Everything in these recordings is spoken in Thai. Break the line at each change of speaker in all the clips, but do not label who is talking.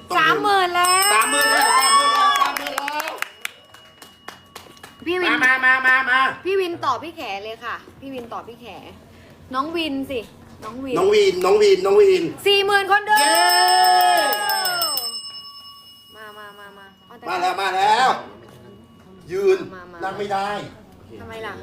30,000แล้ว
30,000แล้ว
พี่วิน
มา
พี่วินตอบพี่แขเลยค่ะ พี่วินตอบพี่แขน้องวินสิน้องวิน
น้องวิน
40,000 คนเดิม
เย้
มา
มาแล้ว ยืน
มา
นั่งไม่ได้
ทำไมล่ะ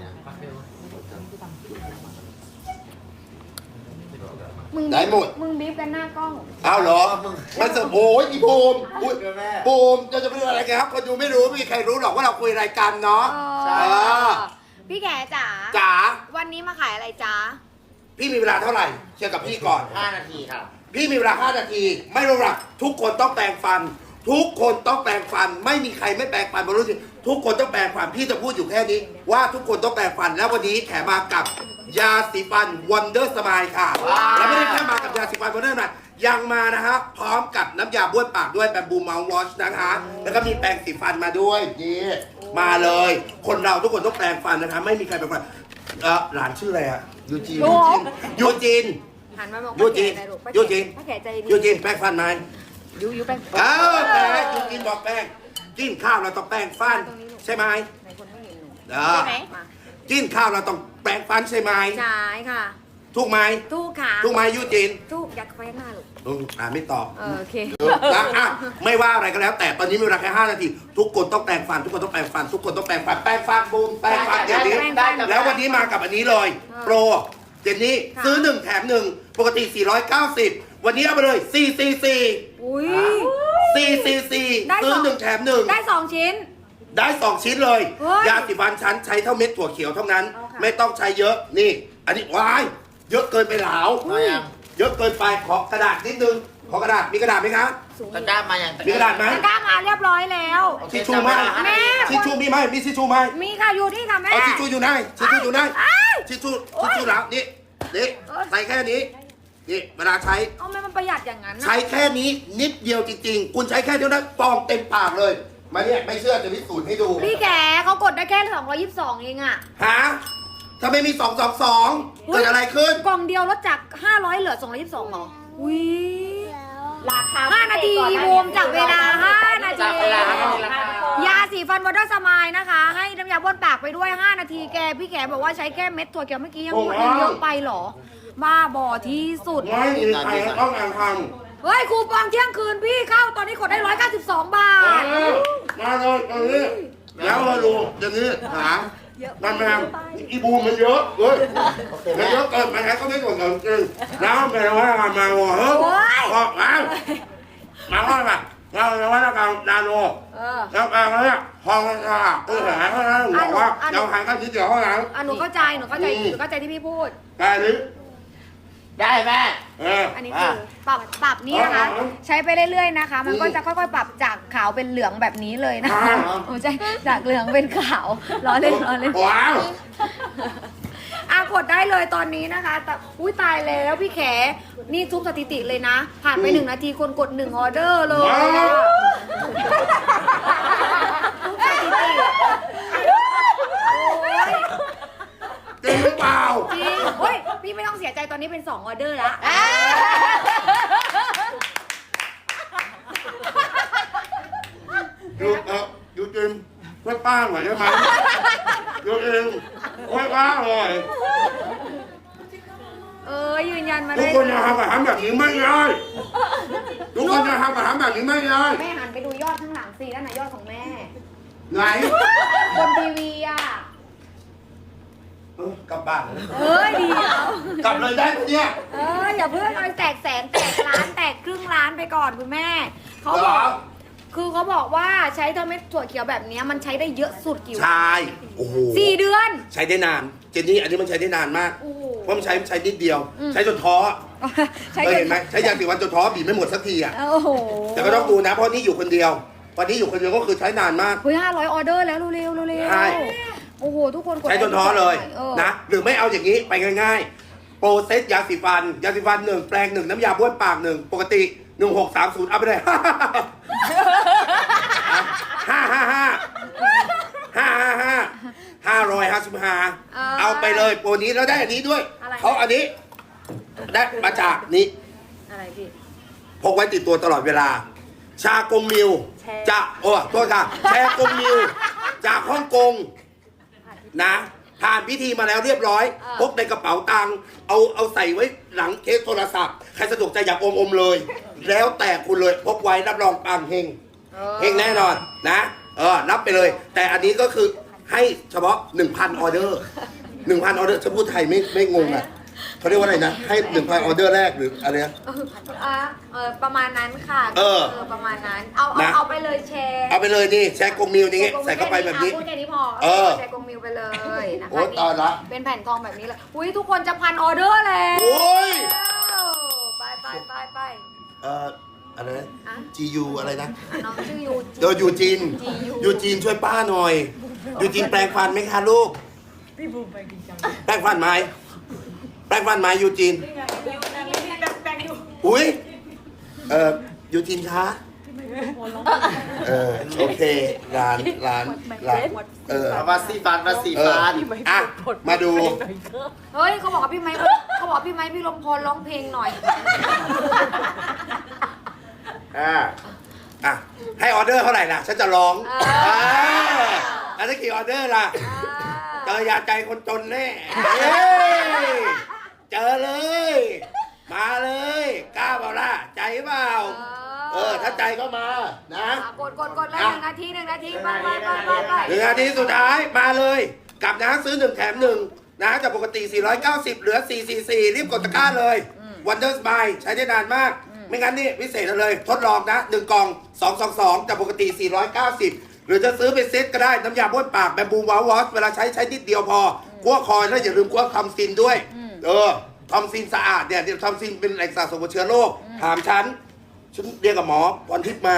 ได้หมด
มึงบีบกันหน้ากล้อง
เอาเหรอมันจะโอ้ยอีบูมบูมจะไปดูอะไรกันครับคนดูไม่รู้ไม่มีใครรู้หรอกว่าเราคุยอะไรกันเนาะ
ใช่
อ
พี่แขจ๋า
จ๋า
วันนี้มาขายอะไรจ๊ะ
พี่มีเวลาเท่าไหร่เชื่อกับพี่ก่อน
5 นาทีครับ
พี่มีเวลา 5 นาที ไม่รู้หรอกทุกคนต้องแปรงฟัน ทุกคนต้องแปรงฟัน ไม่มีใครไม่แปรงฟันบรู้สิทุกคนต้องแปรงฟัน พี่จะพูดอยู่แค่นี้ ว่าทุกคนต้องแปรงฟัน แล้ววันนี้แถมมากับยาสีฟัน Wonder Smile ค่ะ แล้วไม่ได้แค่มากับยาสีฟัน Wonder Smile ยังมานะฮะพร้อมกับน้ำยาบ้วนปากด้วยแบบบูมเมาส์วอชนะคะ แล้วก็มีแปรงสีฟันมาด้วยนี่มาเลย คนเราทุกคนต้องแปรงฟันนะคะ ไม่มีใครแปรงฟันหลานชื่ออะไรอะยูจีน
หันมาบอก
ยูจีน ยูจีน
ป้าแขใจดี
ยูจีนแปรงฟันไหม
ยูแป้ง
แป้งกินบอกแป้งกินข้าวเราต้องแป้งฟันใช่ไหม
ไหนคนไม่เห็นหนู
ใช่ไหมกินข้าวเราต้องแป้งฟันใช่ไหม
ใช่ค่ะ
ถูกไหม
ตู้ขา
ถูกไหมยูจิน
ตู้อยากไปข้างหน้าลูก
ไม่ตอบ
โอเค
นะอ่ะไม่ว่าอะไรก็แล้ว แต่ตอนนี้มีเวลาแค่5 นาที ทุกคนต้องแปรงฟัน ทุกคนต้องแปรงฟัน ทุกคนต้องแปรงฟันแปรงฟันบูมแปรงฟันเดี๋ยวนี้
ได้
แล้ววันนี้มากับอันนี้เลย โปรเจนนี้ซื้อ1แถม1ปกติ490วันนี้เอาไปเลย444
อุ้ย
444
ได้
ซื้อ
สอง
1แถม1
ได้2 ชิ้น
ได้2 ชิ้นเลย
เฮ้ย
ยาสีฟันชั้นใช้เท่าเม็ดถั่วเขียวเท่านั้น
เอาค่ะ
ไม่ต้องใช้เยอะนี่ อันนี้ว้ายเยอะเกินไปหลาว
มายัง
เยอะเกินไปขอกระดาษนิดนึงขอกระดาษมีกระดาษไหมคะ
ตะกร้ามายัง
มีกระดาษไหม
ตะกร้ามาเรียบร้อยแล้ว
ทิชชู่ไหม
แม่
ทิชชู่มีไหมมีทิชชู่ไหม
มีค่ะอยู่ที่ค่ะแม่
เอาทิชชู่อยู่ไหนทิชชู่อยู่ไหน
เอ้ย
ทิชชู่แล้วนี่ใส่แค่นี้นี่เวลาใช้
เอาแม่มันประหยัดอย่างนั้นนะ
ใช้แค่นี้นิดเดียวจริงๆ คุณใช้แค่เดียวนะฟองเต็มปากเลยมาเนี่ยไม่เชื่อจะพิสูจน์ให้ดู
พี่แขเขากดได้แค่222เองอะ
ฮะถ้าไม่มี222เกิดอะไรขึ้น
กล่องเดียวลดจาก500เหลือ222เหรออุ้ย
ราคา
5 นาทีรวมจากเวลา 5 นาที
จากเวลาครับ
ยาสีฟันวอเตอร์สมายนะคะ ให้น้ำยาบ้วนปากไปด้วย 5 นาทีแกพี่แขบอกว่าใช้แค่เม็ดถั่วเขียวเมื่อกี้ยังเยอะไปเหรอ บ้าบอที่สุด
ไม่มีใครต้องการท
เฮ้ยคูปองเที่ยงคืนพี่เข้าตอนนี้กดได้192 บา
ำ
ท
มาเลยตรงนี้แล้วมาดูอย่างนี้หามันแมงอีบูมมันเยอะเว้ยมันเยอะเกินไปไหนก็ไม่กดเงินจริงแล้วแปลว่ามาหัวเฮ้ยออกมาว่าแบบเราจะว่าการนาโน แล้วแปลว่าเนี่ยพอมันจะหาเท่านั้นบอกว่าเราหากันทีเดียวเท่านั้น
หนูเข้าใจที่พี่พูด
แต่อันนี้
ได้แม่
อันนี้คือปรับนี่นะคะ ใช้ไปเรื่อยๆนะคะ มันก็จะค่อยๆปรับจากขาวเป็นเหลืองแบบนี้เลยนะคะโอ้ใช่จากเหลืองเป็นขาวล้อเล่น
ว้าว
กดได้เลยตอนนี้นะคะแต่อุ้ยตายแล้วพี่แขนี่ทุบสถิติเลยนะ ผ่านไป1 นาทีคนกด1 ออเดอร์เลยทุบสถิติโอ้ย
จริงหรือเปล่า
จริงเฮ้ยพี่ไม่ต้องเสียใจตอนนี้เป็น2 ออเดอร์แล้ว
อยู่จริงไม่ป้าหน่อยได้ไหมอยู่เองไม่ป้าเลย
ยืนยันมา
ทุ
ได้
กคนจะทำอาหารแบบนี้ไม่ได้ทุกคนจะทำอาหารแบบนี้ไม่ได้
แม่หันไปดูยอดข้างหลังสินั่นน่ะยอดของแม่
ไหน
บนทีวีอ่ะ
กลับบ้าน
เฮ้ยเดียว
กลับเลยได้ปะเนี่ย
อย่าเพิ่งเอาแตกแสนแตกล้านแตกครึ่งล้านไปก่อนคุณแม่เขาบอกคือเขาบอกว่าใช้เทอร์เม็ดถั่วเขียวแบบนี้มันใช้ได้เยอะสุดกี่วัน
ใช่โอ้โห
4 เดือน
ใช้ได้นาน เจนนี่อันนี้มันใช้ได้นานมาก
โอ้โห
เพราะมันใช้นิดเดียว ใช้จนท้อ
ใช้
เคยเห็นไหมใช้ยาสีฟันจนท้อบีบไม่หมดสักทีอ่ะ
โอ้โห
แต่ก็ต้องดูนะเพราะนี่อยู่คนเดียววันนี้อยู่คนเดียวก็คือใช้นานมาก
เฮ้ย500 ออเดอร์แล้วเร็วๆ
ใช่
โอ้โหทุกคนกด
ใช้จนท้อเลย
ออ
นะหรือไม่เอาอย่างนี้ไปง่ายๆ โปรเซตยาสีฟัน1แปรง1น้ำยาบ้วนปาก1ปกติ1630เอาไปเลย555เอาไปเลยโปรนี้แล้วได้อันนี้ด้วยเขาอันนี้ได้มาจากนี้
อะไรพี่
พกไว้ติดตัวตลอดเวลาชากงมิวจะโอ้โทษค่ะแชร์กงมิวจากฮ่องกงนะผ่านพิธีมาแล้วเรียบร้อยพกในกระเป๋าตังค์เอาใส่ไว้หลังเคสโทรศัพท์ใครสะดวกใจอยากอมเลย แล้วแต่คุณเลยพกไว้รับรองปังเฮงเฮงแน่นอนนะรับไปเลย แต่อันนี้ก็คือให้เฉพาะ 1,000 ออเดอร์ 1,000 ออเดอร์จะพูดไทยไม่งงอ่ะเขาเรียกว่าอะไรนะให้ 1,000 ออเดอร์แรกหรืออะไรนะ
ประมาณนั้นค่ะ ประมาณนั้น เอาไปเลยแชร์
เอาไปเลยนี่แชร์กงมิวนี่ใส่เข้าไปแบบนี้
พูดแค่นี้พอแชร์กงมิวไปเลยนะคะ
โอ้ตายละ
เป็นแผ่นทองแบบนี้เลยอุ้ยทุกคนจะ1,000 ออเดอร์แล้ว
โอ้ย
ไป
อะไรนะ GU อะไรนะ
น้องชื่อ
ยูจีนยูจีนช่วยป้าหน่อยยูจีนแปลงฟันไหมคะลูกพี่บูมไปกินจังแปลงฟันไหมยูจีนอุ้ยยูจีนคะโอเคร้าน
วัดสีฟัน
อ่ะมาดู
เฮ้ยเขาบอกว่าพี่ไม้พี่ลมพรร้องเพลงหน่อย
ให้ออเดอร์เท่าไหร่ล่ะฉันจะร้องอันนี้กี่ออเดอร์ล่ะเจอยาใจคนจนแน่เจอเลยมาเลยกล้าเปล่าล่ะใจเปล่าถ้าใจก็มานะ
กดเลย1 นาทีไป
1 นาทีสุดท้ายมาเลยกับนะซื้อ1 แถม 1นะจากปกติ 490 เหลือ 444 รีบกดตะกร้าเลย Wonder Smile ใช้ได้นานมากไม่งั้นนี่พิเศษเลยทดลองนะ1 กล่อง 222จากปกติ 490 หรือจะซื้อเป็นเซตก็ได้น้ำยาบ้วนปากแบมบูวาวอชเวลาใช้นิดเดียวพอคั่วคอยแล้วอย่าลืมคั่วทอมซินด้วยทอมซินสะอาดเนี่ยทอมซินเป็นแหล่งสะสมของเชื้อโรคถามฉันเรียกกับหมอวันทิพย์มา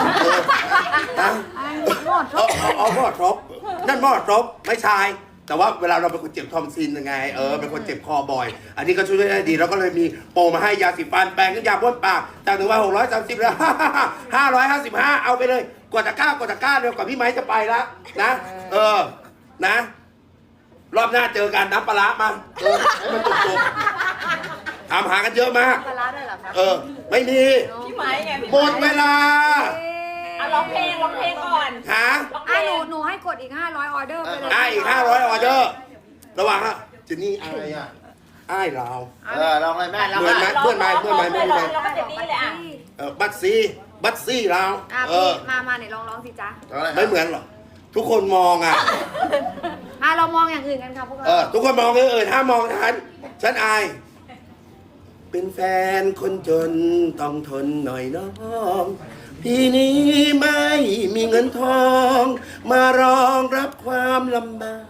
หมอทบนั่นหมอทบไม่ใช่แต่ว่าเวลาเราเป็นคนเจ็บทอมซินยังไงเป็นคนเจ็บคอบ่อยอันนี้ก็ช่วยได้ดีแล้วก็เลยมีโปรมาให้ยาสีฟันแปรงน้ำยาบ้วนปากจาก1,630แล้ว555เอาไปเลยกดตะกร้าเร็วกว่าพี่ไม้จะไปแล้วนะนะรอบหน้าเจอกันน้ำปลาร้ามาให้มันจบถามหากันเยอะมาก
ปลาร้าด้วยเหรอครับ
ไม่มี
พี่ไม้ไง
หมดเวลา
ร้องเพลงก่อน
หนูให้กดอีก500 ออเดอร์ไปเลย
อีก500 ออเดอร์ระหว่างเจนนี่อายอ้ายเรา
ลองเลยแม่
เหมือนไหมเพื่อนไหม
เราก็เจนนี่เลย
บัตซี่เรา
พี่มาไหนลองสิจ๊ะ
ไม่เหมือนหรอทุกคนมอง
เรามองอย่างอื่นกันค่ะพวกเรา
ทุกคนมองอย่างอื่นห้ามมองฉันอายเป็นแฟนคนจนต้องทนหน่อยน้องพี่นี้ไม่มีเงินทองมารองรับความลำบาก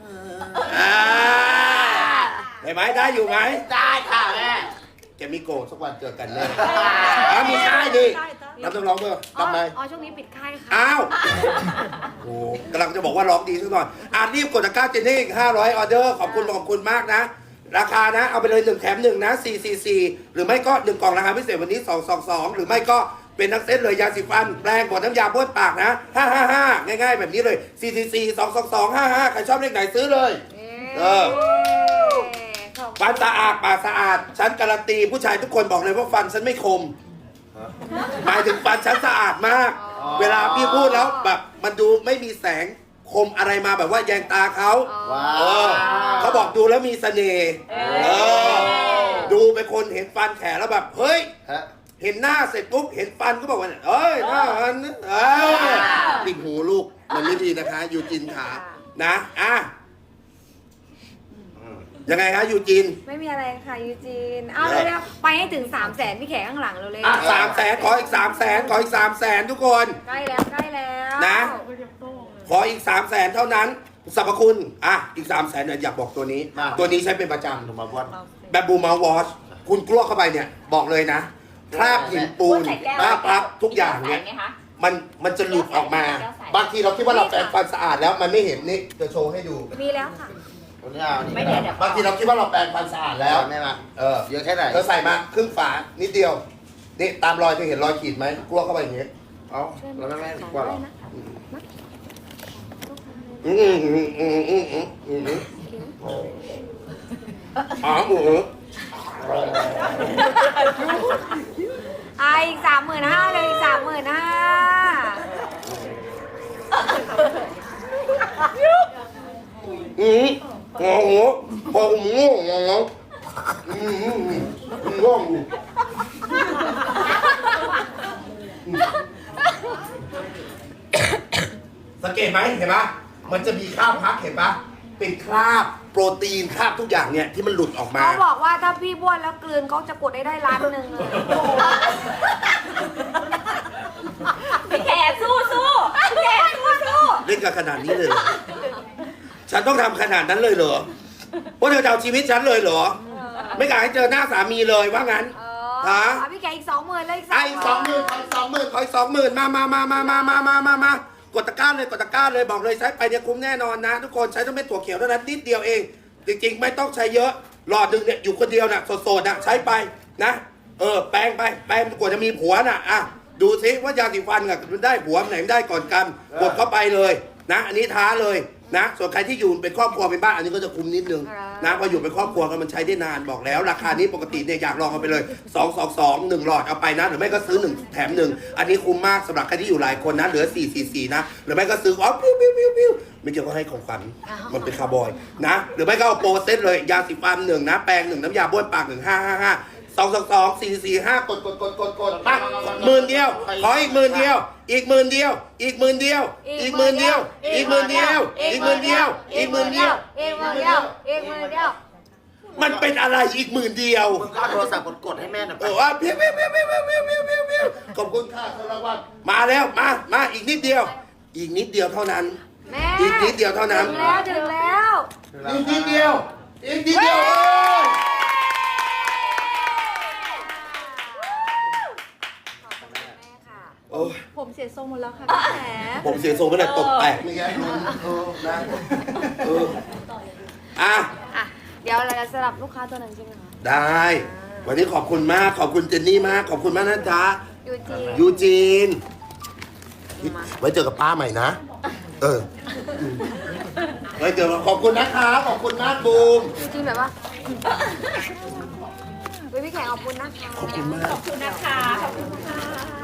ได้ไหมได้อยู่ไหม
ได้ค่ะแม่
จะมีโกรธสักวันเจอกันแน่มีค่ายดิรับต้องร้องเมื่อทำไม
ช่วงนี้ปิดค่ายค่ะ
อ้าวโอ้กำลังจะบอกว่าร้องดีสักหน่อยรีบกดตะกร้าเจนนี่500 ออเดอร์ขอบคุณมากนะราคานะเอาไปเลย1 แถม 1นะ444หรือไม่ก็1 กล่องราคาพิเศษวันนี้222หรือไม่ก็เป็นทั้งเซตเลยยาสีฟันแปรงกดน้ำยาบ้วนปากนะ555ง่ายๆแบบนี้เลย444 222 55ใครชอบเลขไหนซื้อเลยฟันสะอาดปากสะอาดฉันการันตีผู้ชายทุกคนบอกเลยว่าฟันฉันไม่คมหมายถึงฟันฉันสะอาดมากเวลาพี่พูดแล้วแบบมันดูไม่มีแสงคมอะไรมาแบบว่าแยงตาเขาเขาบอกดูแล้วมีเสน่ห์ดูเป็นคนเห็นฟันแขนแล้วแบบเฮ้ยเห็นหน้าเสร็จปุ๊บเห็นฟันก็บอกว่าเอ้ยหน้ามันปิดหูลูกมันไม่ดีนะคะยูจินขานะยังไงคะยูจิน
ไม่มีอะไรค่ะยูจินเร็วไปให้ถึง300,000พี่แขกข้างหลังเราเลย
300,000ขออีก300,000ขออีก300,000ทุกคน
ใกล้แล้ว
นะขออีก300,000เท่านั้นสรรพคุณอีก300,000เนี่ยอยากบอกตัวนี้ใช้เป็นประจำแบบบูมาวอชคุณกลัวเข้าไปเนี่ยบอกเลยนะคราบหินปูนคราบพลักทุกอย่างเนี่ยมันจะหลุดออกมาบางทีเราคิดว่าเราแปรงฟันสะอาดแล้วมันไม่เห็นนี่จะโชว์ให้ดู
มีแล้วค่ะ
ไม่เดี๋ยวบางทีเราคิดว่าเราแปรงฟันสะอาดแล้ว
แม่มาเยอะแค่ไหน
ใส่มาครึ่งฝานิดเดียวนี่ตามรอยเธอเห็นรอยขีดไหมกลัวเข้าไปอย่างเงี้ย
แล้วแม่กลัวหรอ
อีก35,000เลยอีก35,000
พอผมง่วงง่วงง่วงสังเกตไหมเห็นปะมันจะมีคราบพักเห็นปะเป็นคราบโปรตีนคราบทุกอย่างเนี่ยที่มันหลุดออกมา
เขาบอกว่าถ้าพี่บ้วนแล้วกลืนเขาจะกดได้ล้านหนึ่งเลย
พี่แขกสู้พี่แขกสู้
เล่นกันขนาดนี้เลยเหรอฉันต้องทำขนาดนั้นเลยเหรอว่าเธอจะเอาชีวิตฉันเลยเหรอ ไม่กล้าให้เจอหน้าสามีเลยว่างั้น ฮะ
พี่แกอีก20,000เลย
ไอ้20,000มากดตะกร้าเลยกดตะกร้าเลยบอกเลยใช้ไปเนี่ยคุ้มแน่นอนนะ ทุกคนใช้ต้องเป็นถั่วเขียวเท่านั้นนิดเดียวเอง จริงๆไม่ต้องใช้เยอะหลอดหนึ่งเนี่ยอยู่คนเดียวน่ะโสดๆน่ะใช้ไปนะแปรงไปแปรงกว่าจะมีผัวน่ะอ่ะดูซิว่ายาสีฟันกับมันได้ผัวไหนมันได้ก่อนกันกดเข้าไปเลยนะอันนี้ท้าเลยนะส่วนใครที่อยู่เป็นครอบครัวเป็นบ้านอันนี้ก็จะคุ้มนิดนึงนะพออยู่เป็นครอบครัวกันมันใช้ได้นานบอกแล้ว ราคานี้ปกติเนี่ยอยากลองเอาไปเลย222 1หลอดเอาไปนะหรือไม่ก็ซื้อ1แถม1อันนี้คุ้มมากสำหรับใครที่อยู่หลายคนนะเหลือ444นะหรือไม่ก็ซื้อปิ้วไม่เกี่ยวก็ให้ของขวัญมันเป็นคาร์บอยนะหรือไม่ก็เอาโปรเซตเลยยาสีฟัน1นะแปรง1น้ำยาบ้วนปาก1 555 222 445กดปัก10,000เดียวขออีก10,000เดียวอีก10,000เดียวอีก10,000เดียวอีก10,000เดียวอีก10,000เดียวอีก10,000เดียวอีก10,000เดียวอีก10,000เดียวมันเป็นอะไรอีก10,000เดียว
มึงก็เอาโทรศัพท์กดให้แม่หน่อยไป
ว่าเพี้ยวขอบคุณค่ะสารวัตรมาแล้วมาอีกนิดเดียวอีกนิดเดียวเท่านั้น
แม่
อีกนิดเดียวเท่านั้น
ถึงแล้ว
อีกนิดเดียวอีกนิดเดียวโอ้ย
ผมเสียทรงหมดแล้วค่ะพี่แข
ผมเสียทรงไม่ได้ตกแตกนี่ไงนะอ่ะ
อ่ะเดี๋ยวเราจะสลับลูกค้าตัวนั้นใช่ไหมคะ
ได้ วันนี้ขอบคุณมากขอบคุณเจนนี่มากขอบคุณมากนะจ๊ะ
ยูจี
ยูจีนไว้เจอกับป้าใหม่นะไว้เจอกันขอบคุณนะคะขอบคุณมากบูม
ยูจีแบบว่าพี่แขกขอบคุณนะคะ
ขอบคุณมาก
ขอบคุณนะคะขอบคุณค่ะ